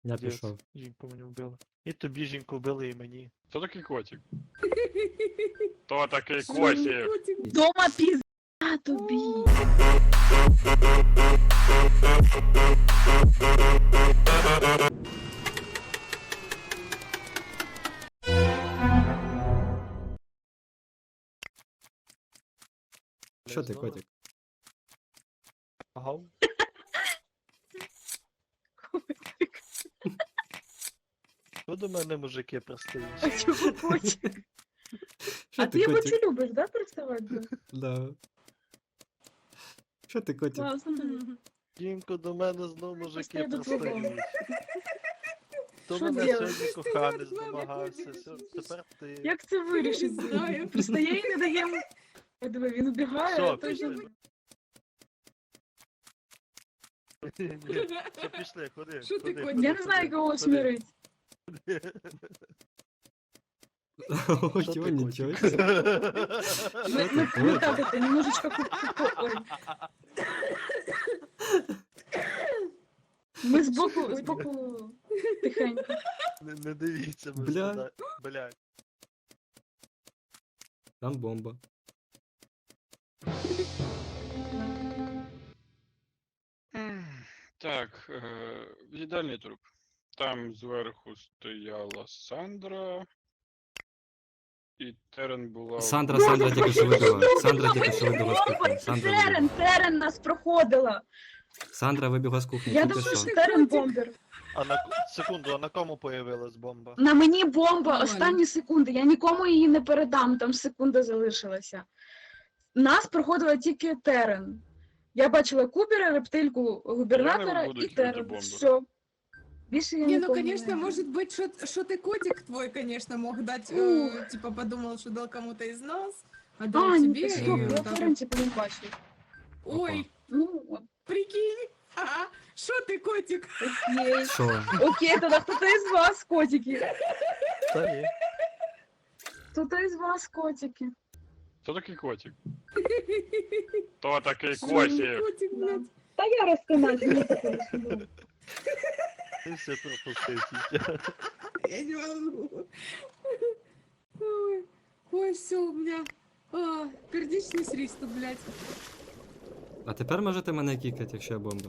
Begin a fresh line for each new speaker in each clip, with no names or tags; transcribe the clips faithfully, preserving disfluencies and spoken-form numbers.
Я
Дєс,
пішов.
жінку мені вбили. І тобі жінку вбили, і мені.
Хто такий котик? Хто такий котик?
Дома пізда тобі.
Що ти, котик?
Ага. Що до мене мужики
А
пристають?
чого котик?
Що
А
ти,
ти його
котик?
чи любиш, да, приставати?
Да. Що ти, котик?
Класно.
Жінку до мене знову мужики
Пристаю до твого.
пристають. То
Що
мене
делать?
сьогодні коханець домагався, сьо- тепер ти.
Як це вирішить? Знаю. Пристає і не дає. Я диви, він убігає,
Все,
а той же...
пішли. Ні, все, пішли, ходи.
Що ти,
ходи,
котик?
ходи,
Я не знаю,
ходи,
кого
ходи.
смирить.
Ой,
Що ти,
ой, нічого.
котик?
себе.
Мы, мы, мы так это, немножечко... ку- ку- ку- ой. Мы сбоку, сбоку тихенько.
Не, не дивіться, ми
Бля.
сюди. Блядь.
Там бомба.
Так, е, їдальний труп. Там зверху стояла Сандра. І Терен була.
Сандра, Сандра тільки що вибігла. Сандра тільки що вибігла з кухні. Сандра
Терен,
вибігла.
Терен нас проходила.
Сандра вибігла з кухні,
Я
тільки
думаю,
що.
що Терен бомбер.
А на секунду, а на кому появилась бомба?
На мені бомба,
Нормально.
останні секунди. Я нікому її не передам, там секунда залишилася. Нас проходила тільки Терен. Я бачила Кубера, рептильку губернатора
буду
і
кидати
Терен.
бомби.
Все. Більше я
Не, ну
нікому
конечно,
не...
может быть, что что ты котик твой, конечно, мог дать,
Ух.
э, типа подумал, что дал кому-то из нас, а дал
А, ні,
тебе.
ти
и
стоп,
вот
я
так
Терен
вот.
типу не бачу.
Ой,
Ну, от,
прикинь, ага, что ты котик?
окей.
Що?
Окей, тоді хто-то із вас, котики.
Та ні.
Хто-то із вас, котики.
Хто такий котик? Хто такий
Что
котик?
котик, блядь?
Та я розконати, не таке.
Ти все пропустив, тітя.
Я не могу. Ой, ой, все, у меня а, пердичный приступ, блядь.
А тепер можете мене кікати, якщо я бомба.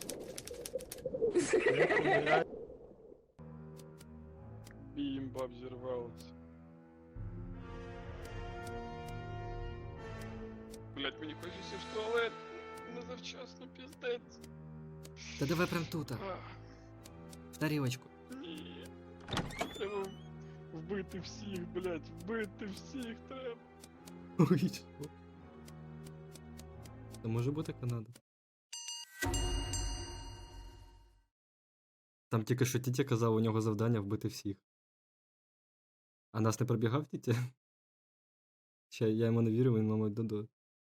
Бімба взірвалась. Блять, мені хочеться в туалет. Не завчасно, піздець.
Та давай прям тут,
Ах,
в тарілочку.
ні. Треба вбити всіх, блять, вбити всіх треба.
Ой, що? Це може бути Канада. Там тільки що тітя казав, у нього завдання вбити всіх. А нас не пробігав тітя? Ще я йому не вірив, він, мабуть, додо.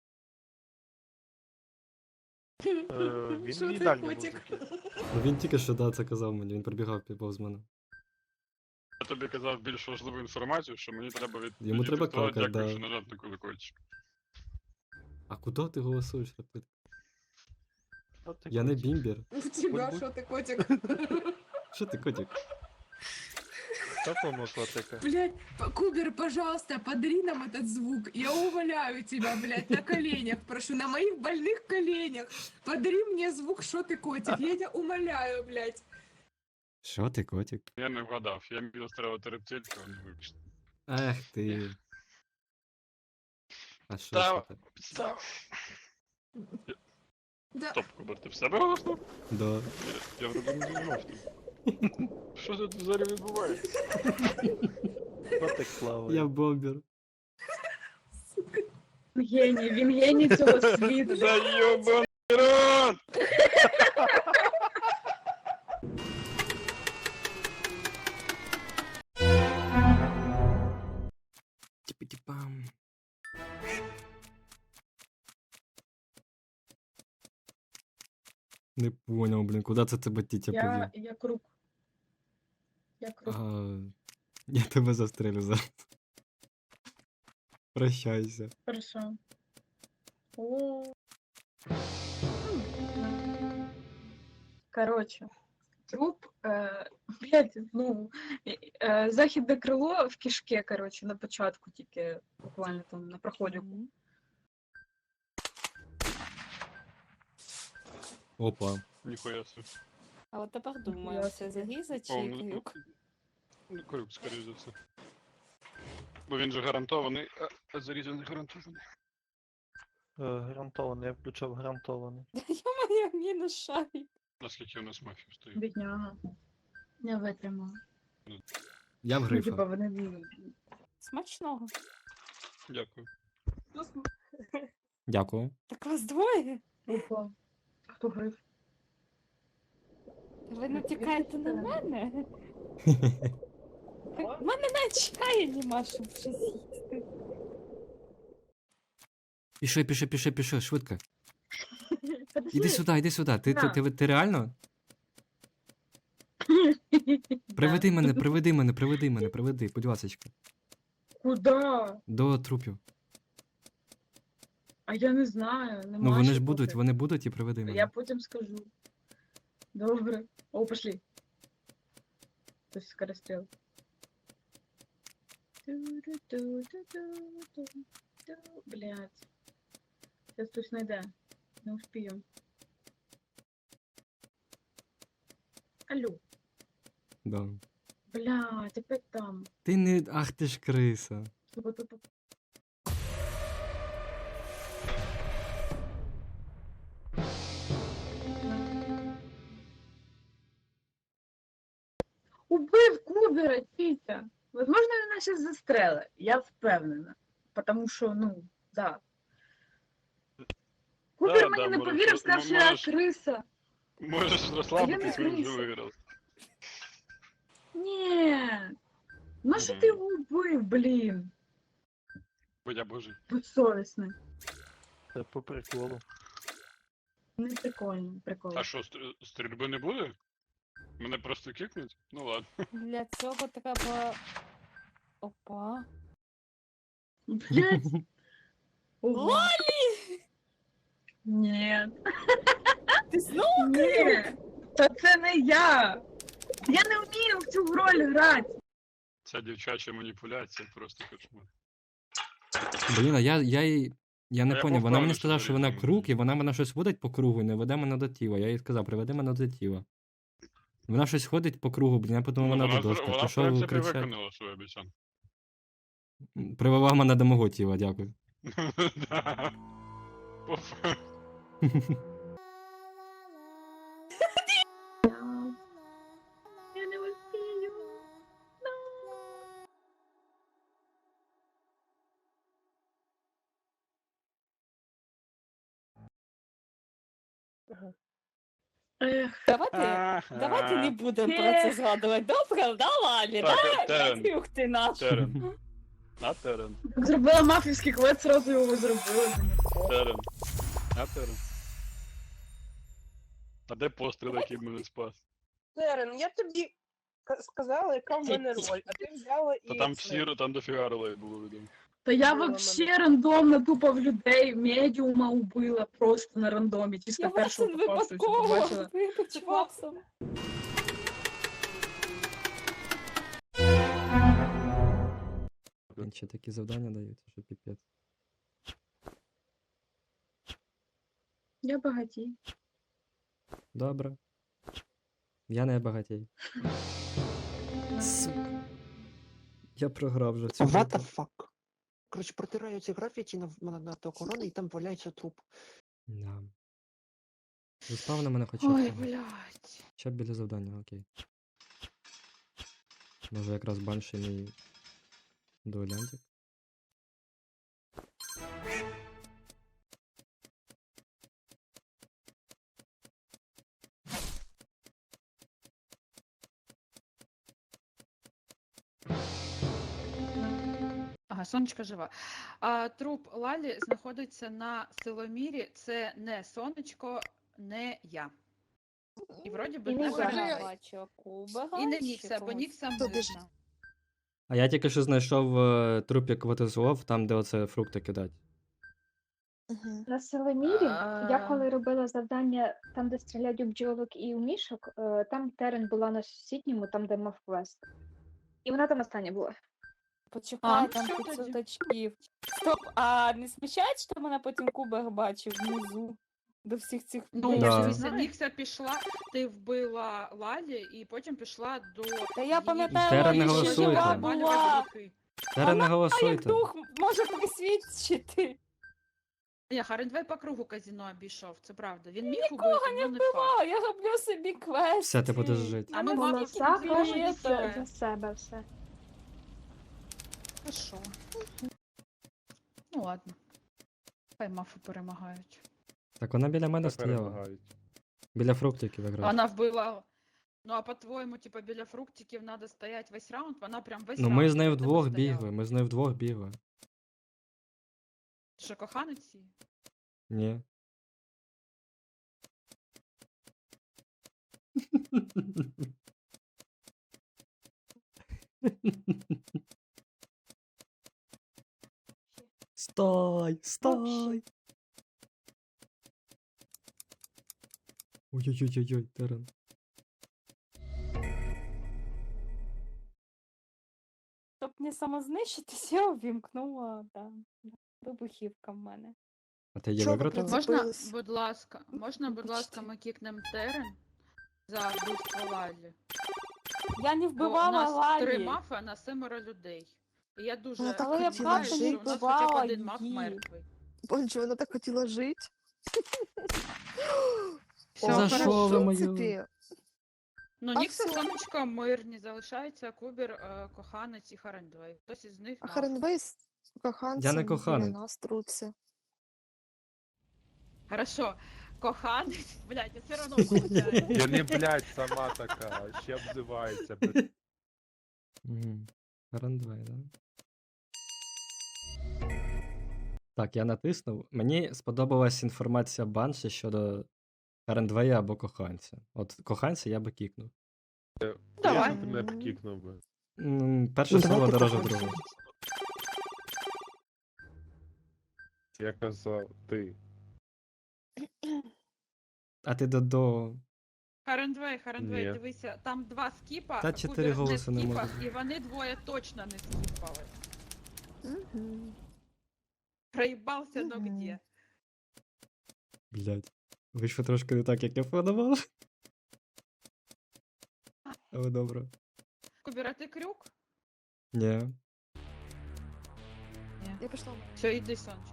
Е, Він
Що
в
ти,
їдальні
котик?
музики.
Ну він тільки що да, це казав мені, він пробігав повз мене.
Я тобі казав більш важливу інформацію, що мені треба від...
Йому
відійти
треба
в туалет,
какать,
дякую,
да.
що нажав на колокольчик.
А куди ти голосуєш? Ти-
От ти
Я не
котик.
бімбір.
У тебя
будь-
что ты котик?
Що ти, котик?
Такому котика.
Блядь, п- Кубер, пожалуйста, подари нам этот звук. Я умоляю тебя, блядь, на коленях, прошу, на моих больных коленях. Подари мне звук, что ты котик. Я тебя умоляю, блядь.
Що ти, котик?
Я не вгадав, я міг застрелити рептильку, а не вибачте.
Ех ти. А що
Та-
ж це?
Підстав.
Да,
Стоп, Кубер, ти в себе голоснув?
Да.
Я, я вроде не знімав там. Що тут взагалі відбувається?
Котик плаває.
Я бомбер.
Геній, він геній цього світу.
Заєбаний рот!
Типа-типам. Не понял, блін, куди це тебе тітя
Я,
повів?
я круг. Я круг.
А, я тебе застрелю зараз. Прощайся.
Хорошо. О. Короче, труп, е, блядь, ну, е, е, західне крило в кишке, коротше, на початку тільки, буквально там на проході.
Мгм.
Опа.
Ніхуя собі.
А от тепер думаю,
Я
це
собі.
Загіза
О,
чи
ну,
Крюк?
Ну, Крюк, скоріш за все. Бо він же гарантований, а, а Заріза не гарантований.
Е, Гарантований, я включав гарантований.
Йо-моє, мінус шарик.
Наскільки у нас мафів стоїть.
Бідняга. Не витримала.
Я в
Ну, типа,
грифа.
вони...
Смачного.
Дякую.
Дякую.
Так вас двоє?
Опа. Хто гриф?
Ви натякаєте на мене? У мене навіть чекає нема, щоб щось їсти.
Пішли, пішли, пішли, пішли, швидко.
Подожди.
Іди сюди, іди сюди. Ти, ти,
На.
ти, ти реально? Приведи мене, приведи мене, приведи мене, приведи, будь ласочка.
Куда?
До трупів.
А я не знаю. Нема
Ну вони
ще
ж будуть,
поки.
вони будуть і приведи мене.
Я потім скажу. Добре. О, пошли. Хтось скорострел. Блять. Сейчас хтось знайде. Не успію. Алло.
Да.
Блять, опять там.
Ти не. Ах ти ж криса.
Тупо-тупо. Убив Кубера, Тітя. Возможно, він нас зараз застрелить. Я впевнена. Потому що, ну, да. Кубер
Да,
мені
да,
не
можеш-
повірив,
м-
сказав, що я
можеш-
криса.
Можеш розслабитись, він вже
криса.
виграв.
Ні. Ну що
Мгм.
ти його убив, блін?
Бо я божий.
Безсовісний.
Це по приколу.
Не прикольно, прикольно.
А що, стр- стрільби не буде? Мене просто кикнуть? Ну ладно.
Для цього треба. Опа.
Блять. Ого.
Лолі!
Ні.
Ти знову?
Ні. Та це не я. Я не вмію в цю роль грати.
Ця дівчача маніпуляція просто кошмар.
Блін, а я, я їй. Я не
А я
поняв,
був
вона мені
впевнений,
сказала,
що
що вона
Заріза
круг,
буде.
і вона мене щось водить по кругу і не веде мене до тіла. Я їй сказав, приведи мене до тіла. Вона щось ходить по кругу, блін, я подумав,
Ну,
вона
вона,
до
зр-
доска.
вона,
Ти
в
що
принципі,
кричать?
виконала свою обіцянку.
Привела мене до мого тіла, дякую.
Да. По факту.
Я не успію. Ех,
Давайте,
Ага.
давайте не будемо про
Ех.
це згадувати. Добре, да, Лалі,
Так,
да?
Терен.
Крюк ти наш.
Терен. А Терен.
так зробила мафівський квест, сразу його зробила.
Терен. А Терен. А де постріл, який мене спас?
Терен, я тобі к- сказала, яка в мене роль, а ти взяла і.
Та там
це.
всі, там дофіга ролей було відомо.
Та я
Ну,
вообще рандомно тупо в людей медіума убила просто на рандомі, чисто
Я
першого
Ватсон
попавшого, що
випадково
побачила.
вибач Ватсон.
Блін, ще такі завдання дають, що піпець.
Я багатій.
Добре. Я не багатій. Сука. Я програв вже цю.
What
гру.
the fuck? Коротше, протираю ці графіті на, на, на то корони і там валяється труп.
Да. Заспав на мене хоча
Ой,
б.
блядь.
Хоча б біля завдання, окей. Може якраз банший мій дуелянтик.
Ага, сонечко жива. А, труп Лалі знаходиться на силомірі. Це не сонечко, не я. І вроді би
І
не
не
Заріза.
я бачила Кубера.
І не
чи
Нікса, бо
когось.
Нікса
Тобі ж-
можна.
А я тільки що знайшов е, трупік Ватислав, там, де оце фрукти кидать.
На Селемірі, я
А.
коли робила завдання там, де стріляють у бджолок і у мішок, е, там Терен була на сусідньому, там, де мав квест. І вона там остання була.
Почекай,
А,
там
що
п'ятсот
тоді?
очків. Стоп, а не смущає, що мене потім Кубер бачив внизу до всіх цих
Ну,
Да.
дивися, Нікся пішла, ти вбила Лалі і потім пішла до.
Та я пам'ятаю,
Тера не
Лалі, що
голосуйте.
жива була.
Тера не
Як
голосуйте.
дух може присвідчити.
Ні, Харендвей по кругу казіно обійшов, це правда. Він міг
Нікого
убити,
не
але не факт.
вбивала, я роблю собі квест.
Все, ти будеш жити.
А ми
Вона
мали
за
кожен
кожен
білет.
за, за себе все.
Хорошо. Ну ладно. Хай мафи перемагають.
Так вона біля мене стояла. Біля фруктиків якраз.
Вона вбила. Ну а по-твоєму, типа, біля фруктиків треба стояти весь раунд, вона прям весь
Ну
раунд.
ми з нею
біля тебе
вдвох
стояла.
бігли, ми з нею вдвох бігли.
Ти що, коханець її?
Ні. Стой, стой. Ой-ой-ой-ой, Терен.
Щоб не самознищитись, я увімкнула, да. Вибухівка в мене.
А ти її
Чого ви
вигратила?
прям-
Можна,
Забилась.
будь ласка, можна, будь ласка,
Почти.
ми кікнем Терен за вбивство Лалі?
Я не
Бо у
вбивала
нас три
Лалі.
мафи, а на семеро людей. І я дуже
Вона так
Але я
хотіла
сподіваюся,
правда не
що у нас
вбивала
хоча б один маф
її.
мертвий.
Боже, вона так хотіла жити.
Все,
За
хорошо.
що ви
в
мою?
принципі,
Ну,
А
Нікса,
всё.
Сонечко, мирні, залишається Кубір, е, коханець і Харендвей. Хтось із них
а
маф.
Харенвей з коханцем
Я не
біля
коханець.
нас труться.
Хорошо, коханець, блядь, я все одно виходжу.
Я не, блядь, сама така, ще обзивається, блядь.
Угу. Рандвей, да? Так, я натиснув. Мені сподобалась інформація Банші щодо Рандвея або коханця. От коханця я би кікнув.
Давай.
Я б тебе кікнув би.
М, Перше
Ну,
слово
давайте
дороже
коханця.
другого.
Я казав, ти.
А ти Додо.
Харендвей, Харендвей,
Ні.
дивися, там два скіпа,
Та
а
чотири
Кубір
голоси не
скіпав,
може
і вони двоє точно не скіпали.
Мгм.
Проїбався, но
Мгм.
где.
Блядь. Вийшло трошки не так, як я планував. Але добре.
Кубір, а ти крюк?
Ні.
Я пішла.
Все, іди, сонечко.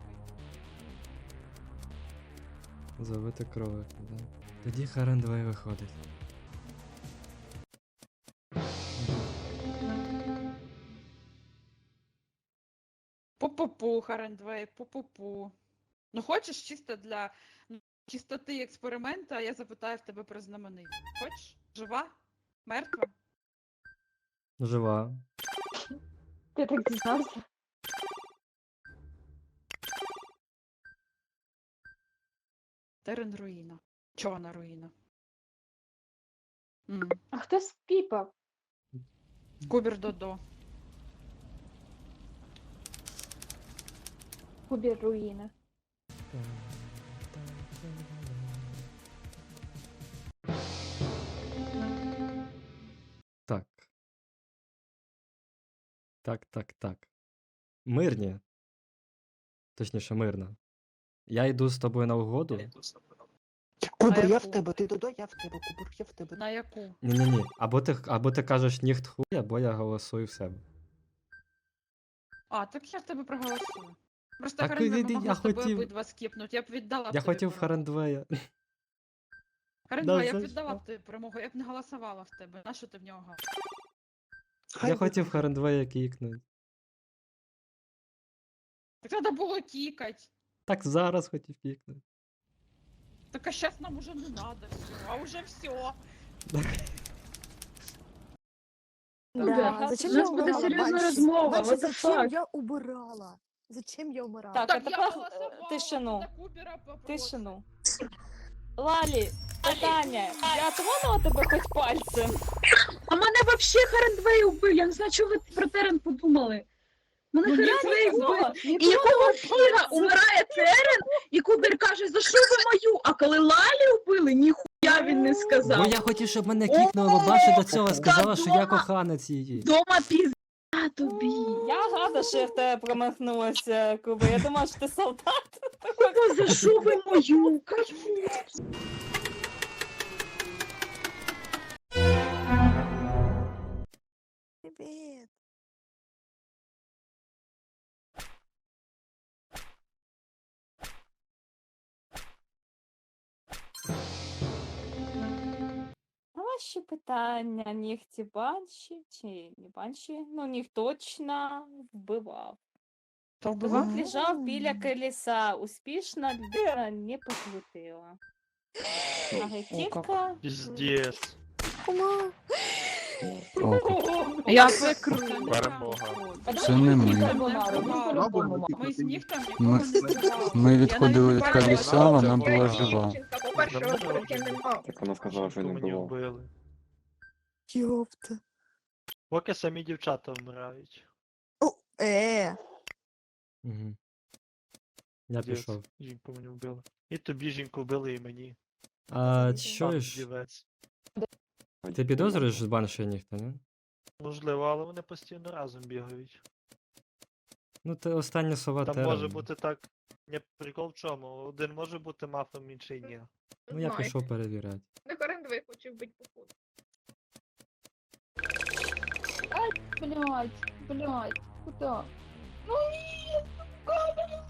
Завити кролик, да. Тоді Харендвей виходить.
Пу-пу-пу, Харендвей, пу-пу-пу. Ну хочеш чисто для ну, чистоти експеримента, я запитаю в тебе про знаменитість. Хочеш? Жива? Мертва?
Жива.
Ти так дізнався?
Терен руїна. Чорна руїна. М.
А хто спіпав?
Кубір Додо.
Кубір руїна.
Так. Так, так, так. Мирні. Точніше, мирна. Я йду з тобою на угоду.
Кубер, я
яку?
в тебе, ти Додо, я в тебе, Кубер, я в тебе.
На яку?
Ні-ні-ні. Або ти, або ти кажеш ніхт хуй, або я голосую в себе.
А, так я в тебе проголосую. Просто
Так
Харендвей,
іди,
ми могли
я
з тобою
хотів-
обидва скіпнути. Я б віддала б
Я
тобі
хотів
перемогу.
Харендвея.
Харендвей, я б
за
віддала
що?
б тобі перемогу, я б не голосувала в тебе. Нащо ти в нього галас?
Хай
Я
буде.
хотів Харендвея кікнути.
Так треба було кікать.
Так зараз хотів кікнути.
Так а сейчас нам уже не надо все, а уже все.
Да,
Зачем
у
я
нас буде
убирала
серйозна
Банші?
розмова,
Банші,
what the
зачем
fuck?
я убирала? Зачем я умирала?
Так,
Так
а
я
тепер
голосувала
е, тишину.
за Кубера по просто.
Тишину. Лалі, питання. Я тронула тебе хоч пальцем?
А мене вообще Харендвей убив, я не знаю, чого ви про Терен подумали. Мене
Ну, я
хрен
не
вбив.
казала,
І
ніколи
якого
не
фіга
казала.
умирає Терен, і Кубер каже, за що ви мою? А коли Лалі вбили, ніхуя він не сказав.
Бо я хотів, щоб мене кікнули, бо Банші до цього сказала, що я
дома.
коханець її.
Дома пізда тобі.
Я рада, що я в тебе промахнулася, Куба. Я думала, що ти солдат.
Кого, за що ви мою? Кажу.
Привет.
А ваші питання, нігті банші чи не банші? Ну, ніх точно вбивав.
Хто
Звук
вбивав?
лежав біля колеса. Успішно людина не покрутила. Агентівка.
Піздець.
Кума.
Я прикру.
Перемога.
Це не ми.
Ми з них там
Ми,
нікого не збивали.
ми
Я
відходили від
навіть не
колеса,
бачила,
вона
що
була
я
жива.
Так вона сказала, що не
Мені
було.
вбили.
Ёпта.
Поки самі дівчата вмирають.
О, е.
Угу. Я
Піздець.
пішов.
Жінку мені вбили. І тобі жінку вбили, і мені.
А
Пан
чуєш,
дівець.
ти підозрюєш з Банші ніхто, не?
Можливо, але вони постійно разом бігають.
Ну, ти остання сова
Там
Терен.
може бути так. Не прикол в чому. Один може бути мафом, інший ні.
Ну, я пішов перевіряти.
Не Харендвей хоче вбити походу.
Блять, блять, куда? Ну ні, сука, блядь.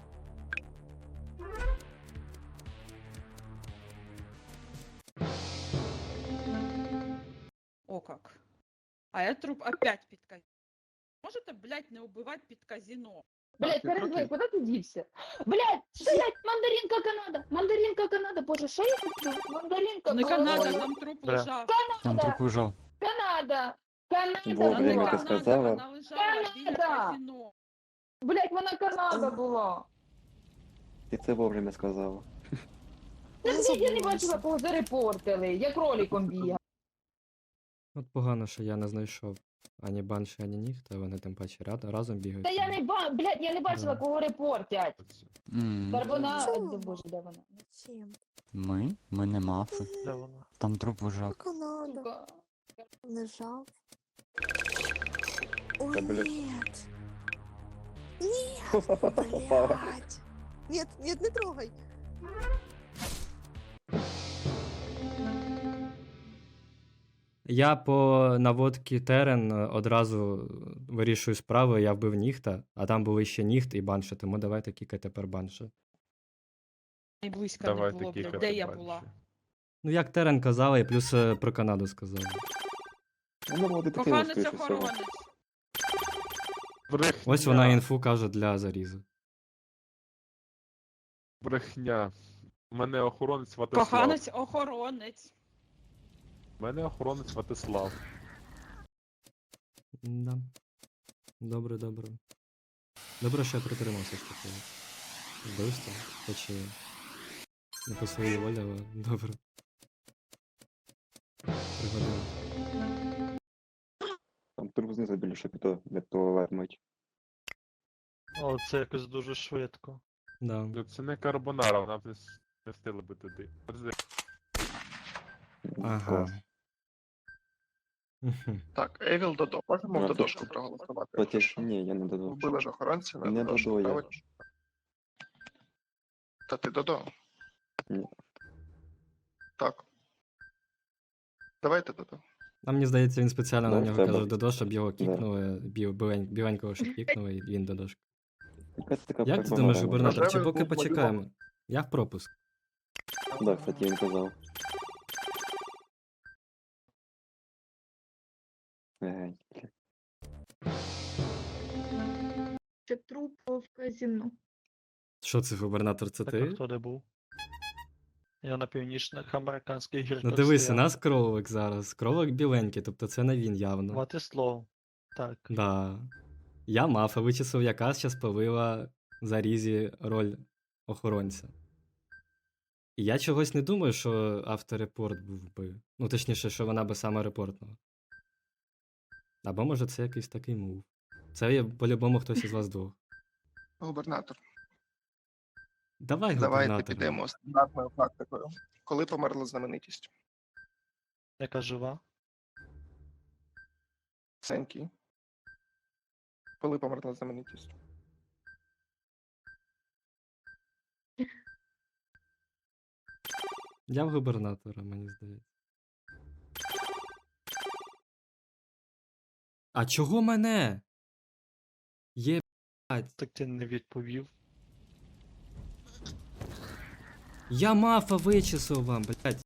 О как. А я труп опять під казино. Можете, блядь, не убивати під казино?
Блять, Харендвей, куди ти дівся? Блять, блять, мандаринка Канада! Мандаринка Канада, боже, що я хочу? Мандаринка
Не Канада,
Ой,
там труп
Бля.
лежав.
Там труп лежав.
Канада! Канада!
Вовремя
була.
ти сказала.
Вона лежала біля
Канада!
казино.
Блять, вона Канада була!
Ти це вовремя сказала.
Та блять, я не бачила, кого зарепортили, я кроліком бігав.
От погано, що я не знайшов ані Банші, ані ніхто, вони тим паче рад- разом бігають.
Та я не ба, блять, я не бачила,
Да.
кого репортять.
М,
Тепер вона,
Чому?
боже, де вона?
Зачем?
Ми? Ми не мафи.
Де вона?
Там труп вожак.
Канада.
Сука.
Лежав. Ой,
Да, блядь.
нет. Нет, блядь. Нет, нет, не трогай.
Я по наводці Терен е, одразу вирішую справу, я вбив ніхта, а там були ще ніхт і Банші, тому давайте кікай тепер Банші.
І близько не
Давайте
було, блядь.
кікати
Де я
Банші.
була?
Ну, як Терен казала, і плюс е, про Канаду сказала.
Вона була детективом,
Коханець
скоріше всього.
охоронець.
Брехня.
Ось вона інфу каже для зарізу.
Брехня. У мене охоронець Ватислав.
Коханець охоронець.
У мене охоронець Ватислав.
Да. Добре, добре. Добре, що я притримався ж таки. Вбивство, хоч і не по своїй волі, але добре. Пригодилось.
Там труп знизу біля шапіто, для туалет мить.
О, це якось дуже швидко.
Да.
Ну, це не карбонара, вона б не с- не встигла би туди. Подожди.
Ага.
Клас.
Мгм.
Так, Евіл Додо. Можемо
Ну,
в
то-
Додошку проголосувати.
Потім, ні, я не додав.
Вбили ж охоронця на
Не
Додошку,
Додо я.
правильно? Та ти Додо.
Ні.
Так. Давайте Додо.
А мені здається, він спеціально на
Да,
нього
треба.
каже Додо, щоб його
Да.
кікнули, бів, білень- біленького, щоб кікнули, і він Додошка.
Якась така
Як ти
проблема
думаєш,
реально.
губернатор, чи
Рожевий
поки
був
почекаємо? Я в пропуск.
Да, кстати, він казав. Ей, бля.
Ще труп в казино.
Що це, губернатор, це
Так, а
ти?
хто де був? Я на північних американських гірках
Ну дивися,
стояв.
нас кролик зараз. Кролик біленький, тобто це не він явно.
Ватислав. Так.
Да. Я мафа вичислив, яка зараз повила Зарізі роль охоронця. І я чогось не думаю, що авторепорт був би. Ну, точніше, що вона би саме репортнула. Або може це якийсь такий мув. Це є по-любому хтось із вас двох.
Губернатор.
Давай
Давайте
губернатор.
підемо стандартною практикою. Коли померла знаменитість?
Яка жива?
Сенький. Коли померла знаменитість?
Я в губернатора, мені здається. А чого мене? Є, блядь.
Так ти не відповів.
Я мафа вичислив вам, блядь.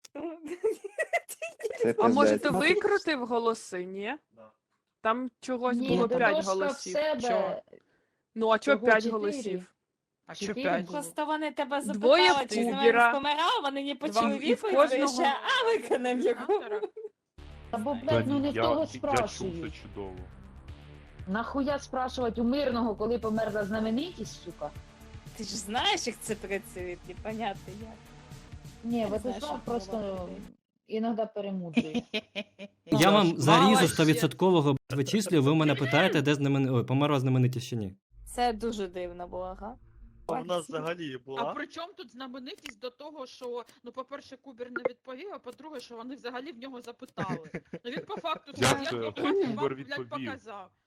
А може ти викрутив голоси, ні? Там чогось
Ні,
було п'ять
Дорожка в
голосів.
себе
Чого? Ну, а чого
всього
п'ять
чотири.
голосів? А що
Чотири
п'ять?
було.
Просто вони тебе
Двоє
запитали,
в
чи з
Кубера.
ними помирав, вони не
Два-
почули
і в
відповідь,
кожного-
ще, а виконав яку.
Та бо,
Та
блядь, ну
ні,
не в
я,
того
я чув
спрашують.
це чудово.
Нахуя спрашувати у мирного, коли померла знаменитість, сука?
Ти ж знаєш, як це працює, непонятно як.
Ні,
Я не знаю,
Владислав
що
просто
говорити.
іноді перемудрює.
Я вам зарізу
Мало ще.
стовідсоткового вичислюю, ви мене питаєте, де знамен... Ой, померла знаменитість чи ні.
Це дуже дивно було, га?
А в нас взагалі
А
була.
при чому тут знаменитість до того, що, ну, по-перше, Кубер не відповів, а по-друге, що вони взагалі в нього запитали. Ну він по факту
Як
сказав,
це?
я по
Кубер
факту вам, блядь,
відповів?
показав.